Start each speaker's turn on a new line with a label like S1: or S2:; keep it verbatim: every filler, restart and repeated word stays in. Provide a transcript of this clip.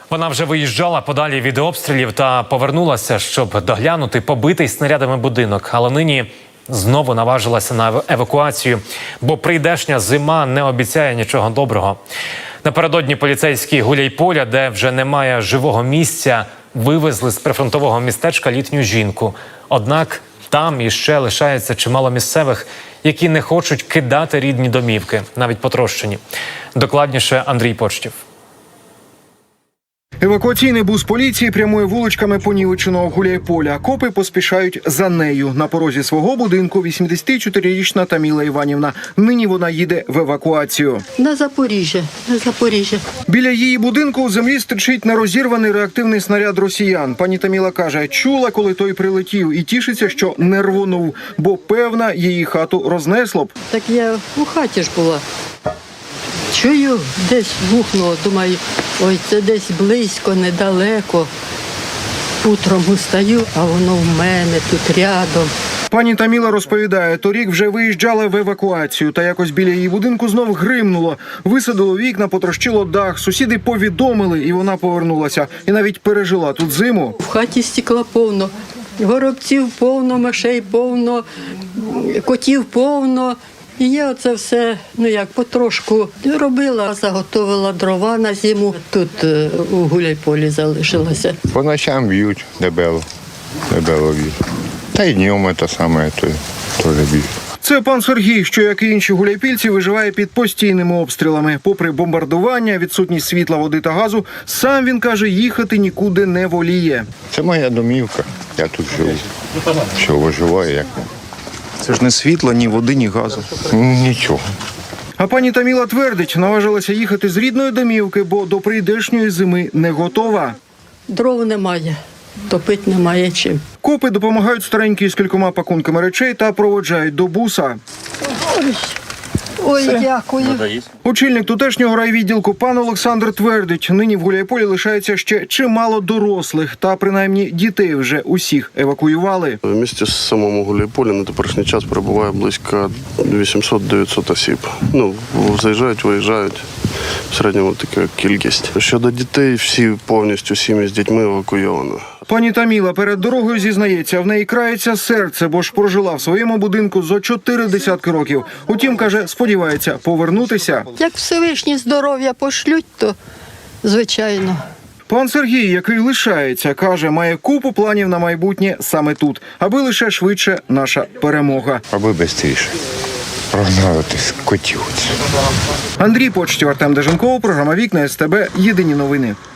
S1: Вона вже виїжджала подалі від обстрілів та повернулася, щоб доглянути побитий снарядами будинок. Але нині знову наважилася на евакуацію, бо прийдешня зима не обіцяє нічого доброго. Напередодні поліцейські Гуляйполя, де вже немає живого місця, вивезли з прифронтового містечка літню жінку. Однак там іще лишається чимало місцевих, які не хочуть кидати рідні домівки, навіть потрощені. Докладніше Андрій Почтів.
S2: Евакуаційний бус поліції прямує вуличками понівеченого Гуляйполя. Копи поспішають за нею. На порозі свого будинку вісімдесятичотирирічна Таміла Іванівна. Нині вона їде в евакуацію.
S3: На Запоріжжя, на Запоріжжя.
S2: Біля її будинку у землі стирчить нерозірваний реактивний снаряд росіян. Пані Таміла каже, чула, коли той прилетів, і тішиться, що не рвонув, бо, певна, її хату рознесло б.
S3: Так я у хаті ж була. Чую, десь гухнуло, думаю, ой, це десь близько, недалеко. Утром устаю, а воно в мене тут рядом.
S2: Пані Таміла розповідає, торік вже виїжджала в евакуацію, та якось біля її будинку знов гримнуло. Висадило вікна, потрощило дах, сусіди повідомили, і вона повернулася. І навіть пережила тут зиму.
S3: В хаті стекла повно, горобців повно, мишей повно, котів повно. І я оце все, ну як, потрошку робила, заготовила дрова на зиму. Тут е, у Гуляйполі залишилася.
S4: По ночам б'ють дебело, дебело б'ють. Та й днем це саме, то теж б'ють.
S2: Це пан Сергій, що, як і інші гуляйпільці, виживає під постійними обстрілами. Попри бомбардування, відсутність світла, води та газу, сам, він каже, їхати нікуди не воліє.
S4: Це моя домівка, я тут живу. Що виживаю, як не.
S2: Це ж не світла, ні води, ні газу.
S4: Нічого.
S2: А пані Таміла твердить, наважилася їхати з рідної домівки, бо до прийдешньої зими не готова.
S3: Дров немає, топити немає чим.
S2: Копи допомагають старенькій з кількома пакунками речей та проводжають до буса.
S3: Ой, ой, дякую.
S2: Очільник тутешнього райвідділку пан Олександр твердить, нині в Гуляйполі лишається ще чимало дорослих, та принаймні дітей вже усіх евакуювали.
S5: В місті самому Гуляйполі на теперішній час перебуває близько вісімсот-дев'ятсот осіб. Ну, заїжджають, виїжджають. В середньому така кількість. Щодо дітей, всі повністю сім'ї з дітьми евакуйовано.
S2: Пані Таміла перед дорогою зізнається, в неї крається серце, бо ж прожила в своєму будинку зо чотири десятки років. Утім, каже, сподівається повернутися.
S3: Як Всевишні здоров'я пошлють, то звичайно.
S2: Пан Сергій, який лишається, каже, має купу планів на майбутнє саме тут, аби лише швидше наша перемога.
S4: Аби швидше прогнали тих котів.
S2: Андрій Почтів, Артем Деженков, програма «Вікна СТБ». Єдині новини.